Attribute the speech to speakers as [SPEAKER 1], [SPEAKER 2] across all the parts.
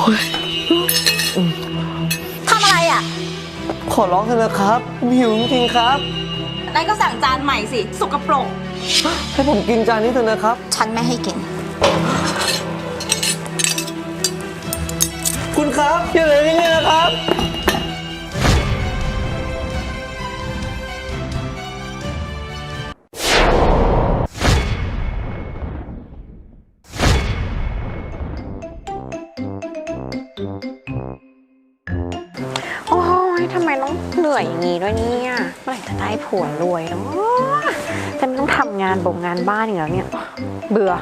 [SPEAKER 1] ทำอะไรอ่ะ
[SPEAKER 2] ขอร้องเถอะนะครับผมหิวจริงๆครับ
[SPEAKER 1] นายก็สั่งจานใหม่สิสกปรก
[SPEAKER 2] ให้ผมกินจานนี้เถอะนะครับ
[SPEAKER 1] ฉันไม่ให้กิน
[SPEAKER 2] คุณครับอย่าเลยอย่างนี้นะครับ
[SPEAKER 3] โอ้ยทำไมต้องเหนื่อยอย่างนี้ด้วยเนี่ยเมื่อไหร่จะได้ผัวรวยเนาะจะไม่ต้องทำงานบ่งงานบ้านอย่างแล้วเนี่ยเบื่อ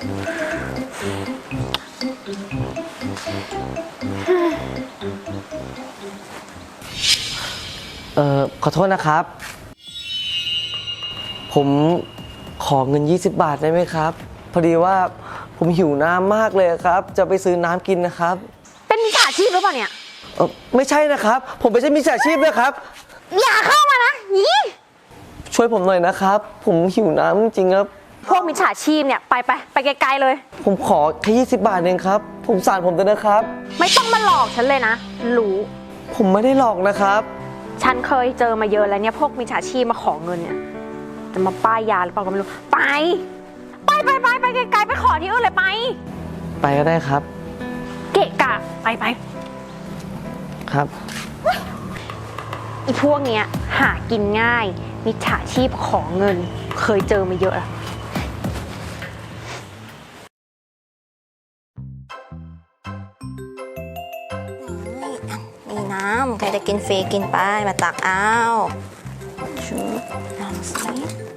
[SPEAKER 2] ขอโทษนะครับผมขอเงิน20 บาทได้ไหมครับพอดีว่าผมหิวน้ำมากเลยครับจะไปซื้อน้ำกินนะครับ
[SPEAKER 3] เป็นมิจฉาชีพหรือเปล่าเนี่ย
[SPEAKER 2] ไม่ใช่นะครับผมไม่ใช่มิจฉาชีพนะครับ
[SPEAKER 3] อย่าเข้ามานะยี่
[SPEAKER 2] ช่วยผมหน่อยนะครับผมหิวน้ำจริงครับ
[SPEAKER 3] พวกมิจฉาชีพเนี่ยไปไกลๆเลย
[SPEAKER 2] ผมขอแค่20 บาทเองครับผมสารผมด้วยนะครับ
[SPEAKER 3] ไม่ต้องมาหลอกฉันเลยนะรู้
[SPEAKER 2] ผมไม่ได้หลอกนะครับ
[SPEAKER 3] ฉันเคยเจอมาเยอะแล้วเนี่ยพวกมิจฉาชีพมาขอเงินเนี่ยจะมาป้ายยาหรือเปล่าก็ไม่รู้ไปไกลๆไปขอที่อื่นเลย
[SPEAKER 2] ไปก็ได้ครับ
[SPEAKER 3] เกะกะไป
[SPEAKER 2] ครับ
[SPEAKER 3] อีพวกเนี้ยหากินง่ายมิจฉาชีพขอเงินเคยเจอมาเยอะอะ
[SPEAKER 1] นี่น้ำใครจะกินฟรีกินไปมาตักเอาชุบน้ำสิ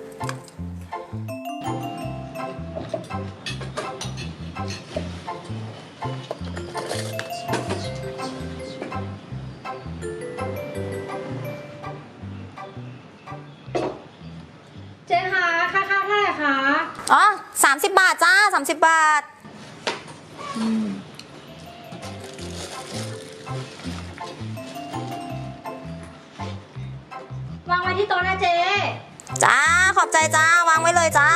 [SPEAKER 4] เจ๊คะค่าข้าวเท่าไหร่คะ
[SPEAKER 1] อ๋อ30 บาทจ้า30 บาท
[SPEAKER 4] วางไว้ที่โต๊ะนะเจ๊
[SPEAKER 1] จ้าขอบใจจ้าวางไว้เลยจ้า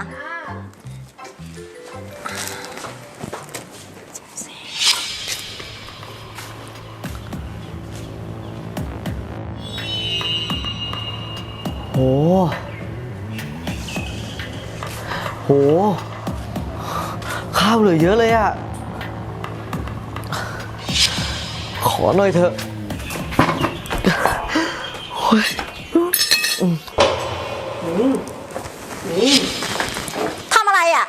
[SPEAKER 2] โหข้าวเหลือเยอะเลยอะขอหน่อยเถอะ
[SPEAKER 1] ทำอะไรอ่ะ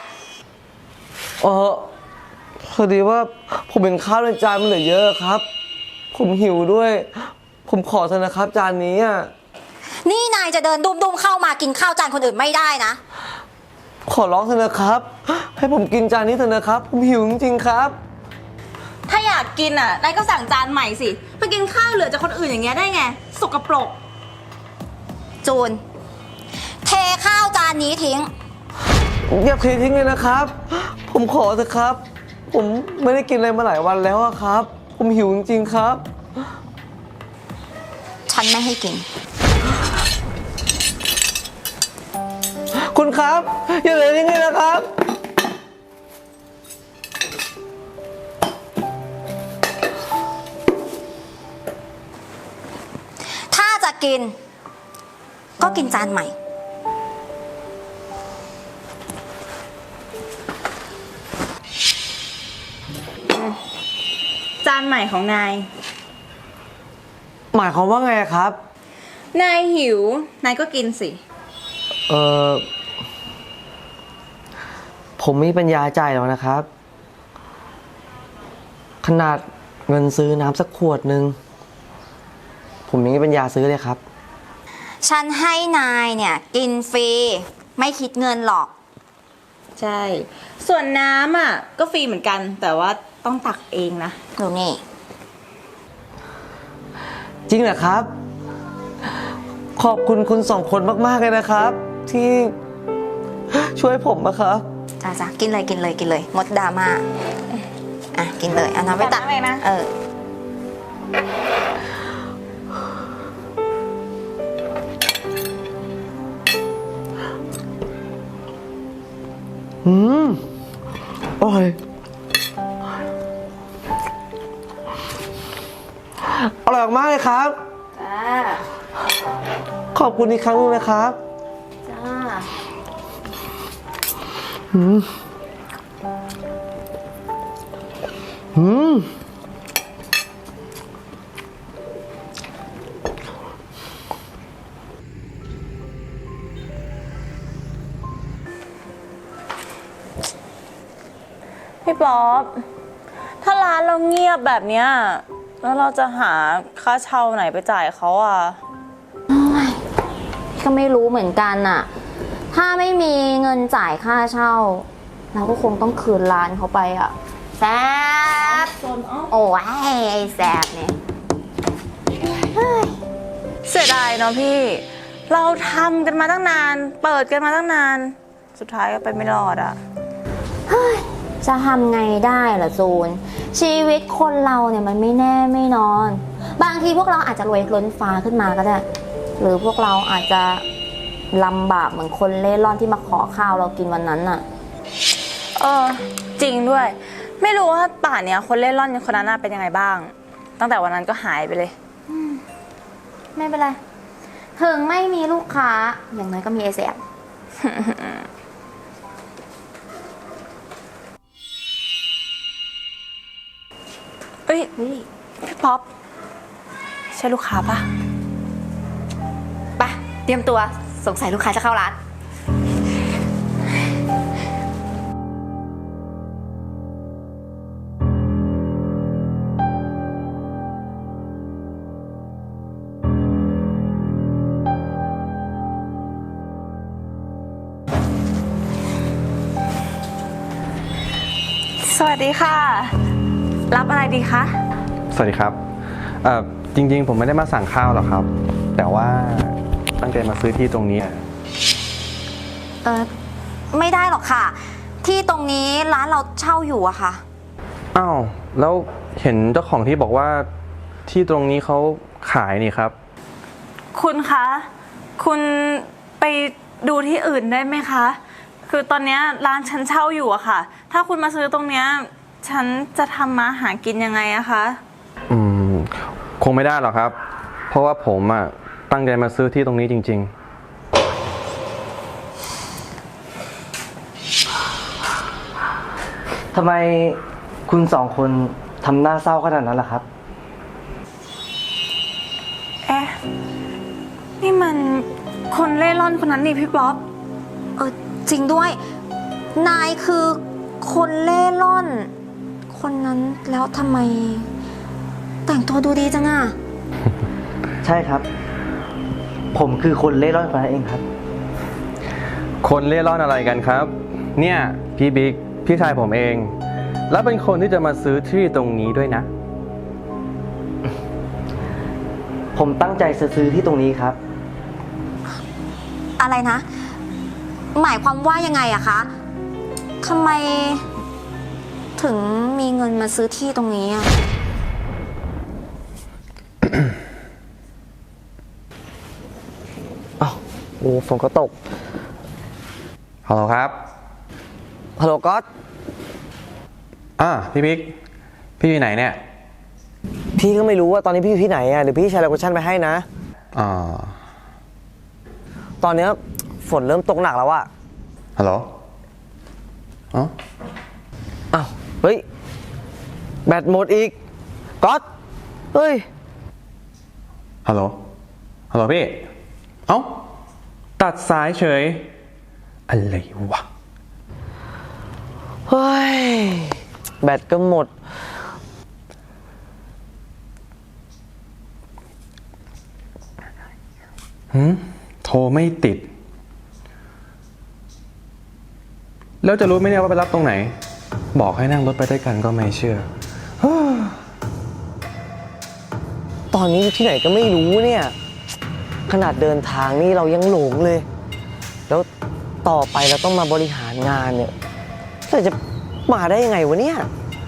[SPEAKER 2] พอดีว่าผมเป็นข้าวในจานมันเหลือเยอะครับผมหิวด้วยผมขอเถอะนะครับจานนี้อ่ะ
[SPEAKER 1] นี่นายจะเดินดุมๆเข้ามากินข้าวจานคนอื่นไม่ได้นะ
[SPEAKER 2] ขอร้องเถอะนะครับให้ผมกินจานนี้เถอะนะครับผมหิวจริงๆครับ
[SPEAKER 1] ถ้าอยากกินอ่ะนายก็สั่งจานใหม่สิไปกินข้าวเหลือจากคนอื่นอย่างเงี้ยได้ไงสกปรกจูนเทข้าวจานนี้ทิ้ง
[SPEAKER 2] อย่าเททิ้งเลยนะครับผมขอเถอะครับผมไม่ได้กินอะไรมาหลายวันแล้วครับผมหิวจริงๆครับ
[SPEAKER 1] ฉันไม่ให้กิน
[SPEAKER 2] คุณครับอย่าเลยทิ้งเลยนะครับ
[SPEAKER 1] ถ้าจะกินก็กินจานใหม่จานใหม่ของนาย
[SPEAKER 2] หมายความว่าไงครับ
[SPEAKER 1] นายหิวนายก็กินสิ
[SPEAKER 2] ผมไม่มีปัญญาจ่ายหรอกนะครับขนาดเงินซื้อน้ำสักขวดนึงผมยังไม่มีปัญญาซื้อเลยครับ
[SPEAKER 1] ฉันให้นายเนี่ยกินฟรีไม่คิดเงินหรอกใช่ส่วนน้ำอ่ะก็ฟรีเหมือนกันแต่ว่าต้องตักเองนะดูนี่
[SPEAKER 2] จริงเหรอครับขอบคุณคุณสองคนมากๆเลยนะครับที่ช่วยผมนะครับ
[SPEAKER 1] จ้ากินเลยงดดราม่าอ่ะกินเลยเอาน้ำไปตักเลยนะ
[SPEAKER 2] อร่อยอร่อยมากเลยครับ
[SPEAKER 1] จ้า
[SPEAKER 2] ขอบคุณอีกครั้งหนึงนะครับ
[SPEAKER 1] จ้า
[SPEAKER 2] อืม
[SPEAKER 1] พี่ป๊อป ถ้าร้านเราเงียบแบบเนี้ยแล้วเราจะหาค่าเช่าไหนไปจ่ายเขาอ่ะก็ไม่รู้เหมือนกันอ่ะ ถ้าไม่มีเงินจ่ายค่าเช่า เราก็คงต้องคืนร้านเขาไปอ่ะแซบโอ้ยไอ้แซบเนี่ยเสียดายเนาะพี่ เราทำกันมาตั้งนาน เปิดกันมาตั้งนาน สุดท้ายก็ไปไม่รอดอ่ะ จะทำไงได้ล่ะจูน ชีวิตคนเราเนี่ยมันไม่แน่ไม่นอน บางทีพวกเราอาจจะรวยล้นฟ้าขึ้นมาก็ได้ หรือพวกเราอาจจะลำบากเหมือนคนเล่ร่อนที่มาขอข้าวเรากินวันนั้นน่ะจริงด้วย ไม่รู้ว่าป่านเนี้ยคนเล่ร่อนคนนั้นเป็นยังไงบ้าง ตั้งแต่วันนั้นก็หายไปเลยไม่เป็นไรถึงไม่มีลูกค้าอย่างน้อยก็มีไอแสบ เอ้ยพี่ป๊อปใช่ลูกค้าปะไปเตรียมตัวสงสัยลูกค้าจะเข้าร้านสวัสดีค่ะ รับอะไรดีคะ
[SPEAKER 5] สวัสดีครับจริงๆผมไม่ได้มาสั่งข้าวหรอกครับ แต่ว่าตั้งใจมาซื้อที่ตรงนี้
[SPEAKER 1] ไม่ได้หรอกค่ะ ที่ตรงนี้ร้านเราเช่าอยู่อะค่ะ
[SPEAKER 5] อ้าวแล้วเห็นเจ้าของที่บอกว่าที่ตรงนี้เขาขายนี่ครับ
[SPEAKER 1] คุณคะ คุณไปดูที่อื่นได้ไหมคะ คือตอนนี้ร้านฉันเช่าอยู่อะค่ะ ถ้าคุณมาซื้อตรงเนี้ยฉันจะทำมาหากินยังไงอะคะ
[SPEAKER 5] คงไม่ได้หรอกครับ เพราะว่าผมตั้งใจมาซื้อที่ตรงนี้จริงๆ
[SPEAKER 2] ทำไมคุณสองคนทำหน้าเศร้าขนาดนั้นล่ะครับ
[SPEAKER 1] เอ๊ะ นี่มันคนเล่ร่อนคนนั้นนี่พี่ป๊อปจริงด้วย นายคือคนเล่ร่อน คนนั้นแล้วทำไม แต่งตัวดูดีจังอะ
[SPEAKER 2] ใช่ครับ ผมคือคนเล่ร่อนคนนั้นเองครับ
[SPEAKER 5] คนเล่ร่อนอะไรกันครับ เนี่ยพี่บิ๊กพี่ชายผมเอง แล้วเป็นคนที่จะมาซื้อที่ตรงนี้ด้วยนะ
[SPEAKER 2] ผมตั้งใจซื้อที่ตรงนี้ครับ
[SPEAKER 1] อะไรนะ หมายความว่ายังไงอะคะทำไมถึงมีเงินมาซื้อที่ตรงนี้อะ
[SPEAKER 2] อ้าวโอ้ฝนก็ตก
[SPEAKER 5] ฮัลโหลครับ
[SPEAKER 2] ฮัลโหลก๊อต
[SPEAKER 5] พี่บิ๊กพี่อยู่ไหนเนี่ย
[SPEAKER 2] พี่ก็ไม่รู้ว่าตอนนี้พี่อยู่ที่ไหนอ่ะเดี๋ยวพี่แชร์โลเคชั่นไปให้นะ
[SPEAKER 5] อ่า
[SPEAKER 2] ตอนเนี้ยฝนเริ่มตกหนักแล้วอะ
[SPEAKER 5] ฮัลโหลอ๋อ
[SPEAKER 2] อ้าว เฮ้ย แบตหมดอีก ก๊อต เฮ้ย
[SPEAKER 5] ฮัลโหล ฮัลโหลพี่ เอ้า ตัดสายเฉย อะไรวะ
[SPEAKER 2] เฮ้ย แบตก็หมด
[SPEAKER 5] โทรไม่ติด แล้วจะรู้ไหมเนี่ยว่าไปรับตรงไหน บอกให้นั่งรถไปด้วยกันก็ไม่เชื่อ
[SPEAKER 2] ตอนนี้อยู่ที่ไหนก็ไม่รู้เนี่ย ขนาดเดินทางนี่เรายังหลงเลย แล้วต่อไปเราต้องมาบริหารงานเนี่ยเราจะมาได้ยังไงวะเนี่ย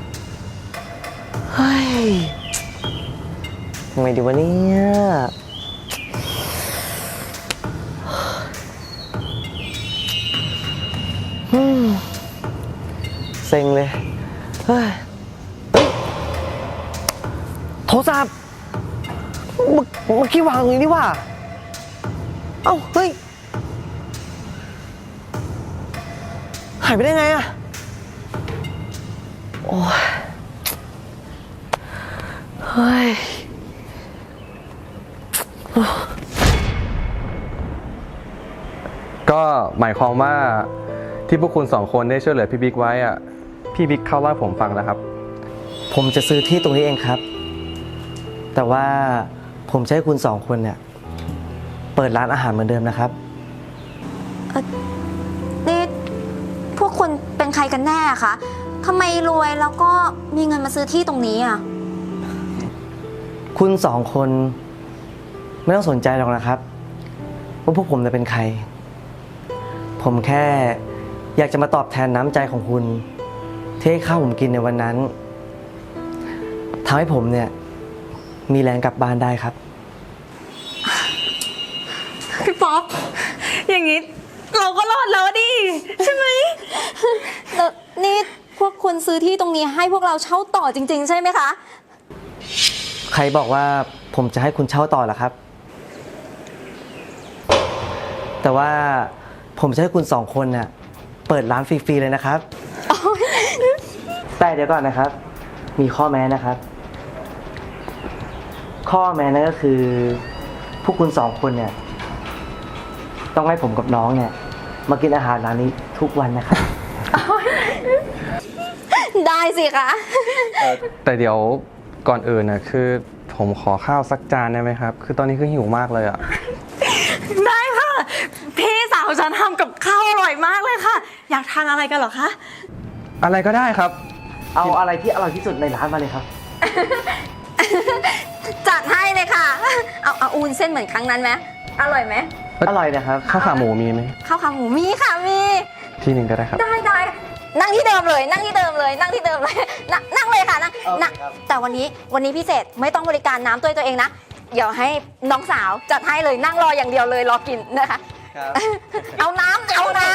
[SPEAKER 2] เฮ้ยทำไงดีวะเนี่ยเซ็งเลย เฮ้ย โทรศัพท์เมื่อกี้วางตรงนี้นี่หว่า เอ้า เฮ้ย หายไปได้ไงอะโอ้ย เฮ้ย
[SPEAKER 5] ก็หมายความว่าที่พวกคุณสองคนได้ช่วยเหลือพี่บิ๊กไว้อะพี่บิ๊กเข้าเล่าให้ผมฟังนะครับ
[SPEAKER 2] ผมจะซื้อที่ตรงนี้เองครับ แต่ว่าผมจะให้คุณสองคนเนี่ย เปิดร้านอาหารเหมือนเดิมนะครับ
[SPEAKER 1] นี่พวกคุณเป็นใครกันแน่คะทำไมรวยแล้วก็มีเงินมาซื้อที่ตรงนี้อ่ะ
[SPEAKER 2] คุณสองคนไม่ต้องสนใจหรอกนะครับว่าพวกผมจะเป็นใคร ผมแค่อยากจะมาตอบแทนน้ำใจของคุณที่ให้ข้าวผมกินในวันนั้นทำให้ผมเนี่ยมีแรงกลับบ้านได้ครับ
[SPEAKER 1] พี่ป๊อปอย่างนี้เราก็รอดแล้วดิใช่ไหมแล้วนี่พวกคุณซื้อที่ตรงนี้ให้พวกเราเช่าต่อจริงๆใช่ไหมคะ
[SPEAKER 2] ใครบอกว่าผมจะให้คุณเช่าต่อล่ะครับ แต่ว่าผมจะให้คุณสองคนน่ะเปิดร้านฟรีๆเลยนะครับ แต่เดี๋ยวก่อนนะครับ มีข้อแม้นะครับ ข้อแม้นั่นก็คือพวกคุณสองคนเนี่ยต้องให้ผมกับน้องเนี่ยมากินอาหารร้านนี้ทุกวันนะครับ
[SPEAKER 1] ได้สิคะ
[SPEAKER 5] แต่เดี๋ยวก่อนอื่นนะคือผมขอข้าวสักจานได้ไหมครับ คือตอนนี้คือหิวมากเลยอะ
[SPEAKER 6] ได้ค่ะ พี่สาวฉันทำกับข้าวอร่อยมากเลยค่ะ อยากทานอะไรกันเหรอคะ
[SPEAKER 5] อะไรก็ได้ครับ
[SPEAKER 2] เอาอะไรที่อร่อยที่สุดในร้านมาเลยครับ
[SPEAKER 1] จัดให้เลยค่ะ เอาอูนเส้นเหมือนครั้งนั้นไหมอร่อยไหม
[SPEAKER 2] อร่อยนะครับ
[SPEAKER 5] ข้าวขาหมูมีไหม
[SPEAKER 1] ข้าวขาหมูมีค่ะมี
[SPEAKER 5] ที่หนึ่งก็ได้ครับ
[SPEAKER 1] ได้นั่งที่เดิมเลยนั่งที่เดิมเลยนั่งที่เดิมเลยนั่งเลยค่ะนั่ง
[SPEAKER 2] โอเค
[SPEAKER 1] นั่ง
[SPEAKER 2] ครับ
[SPEAKER 1] แต่วันนี้พิเศษไม่ต้องบริการน้ำตัวเองนะเดี๋ยวให้น้องสาวจัดให้เลยนั่งรออย่างเดียวเลยรอกินนะคะ
[SPEAKER 2] ครับ
[SPEAKER 1] เอาน้ำ